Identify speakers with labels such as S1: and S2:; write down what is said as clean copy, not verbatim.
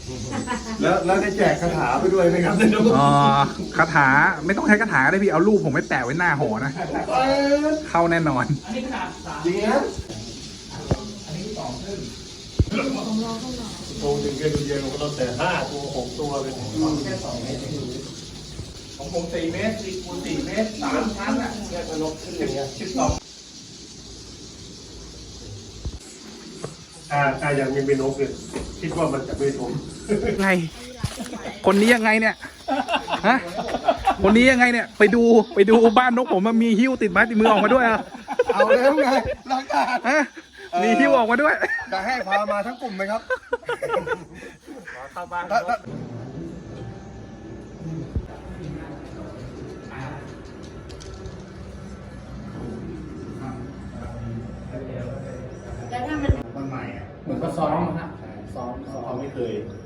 S1: แล้วได้แจกคาถาไปด้วยไหมครับ
S2: อ๋อคาถาไม่ต้องใช้คาถาได้พี่เอารูปผมไปแปะไว้หน้าหอนะเข้าแน่นอน
S1: จริงนะ
S3: โตถึงเย็นๆเราแต่5 ตัว 6 ตัวเป็น
S2: แค่2 เมตรของผม4 เมตรคูณ4 เมตร3 ชั้นอ่ะแค่นกขึ้นอย่างเงี้ย12
S3: ถ้ายังไม่เป็นนกเนี่ยคิดว่ามันจะไม่ถม
S2: ไงคนนี้ยังไงเนี่ยฮะคนนี้ยังไงเนี่ยไปดูบ้านนกผมมันมีหิ้วติดไม้ติดมือออกมาด้วยอ่ะ
S1: เอาแล้วไงรักการ
S2: ฮะมีหิ้วออกมาด้วย
S1: จะให้พามาทั้งกลุ่มไหมครับ
S2: เข้าบ้าน
S4: แล้วถ้ามัน
S1: มันใหม่อ่ะ
S2: เหมือนก็ซ้อมนะซ้อม
S1: เขาไม่เคย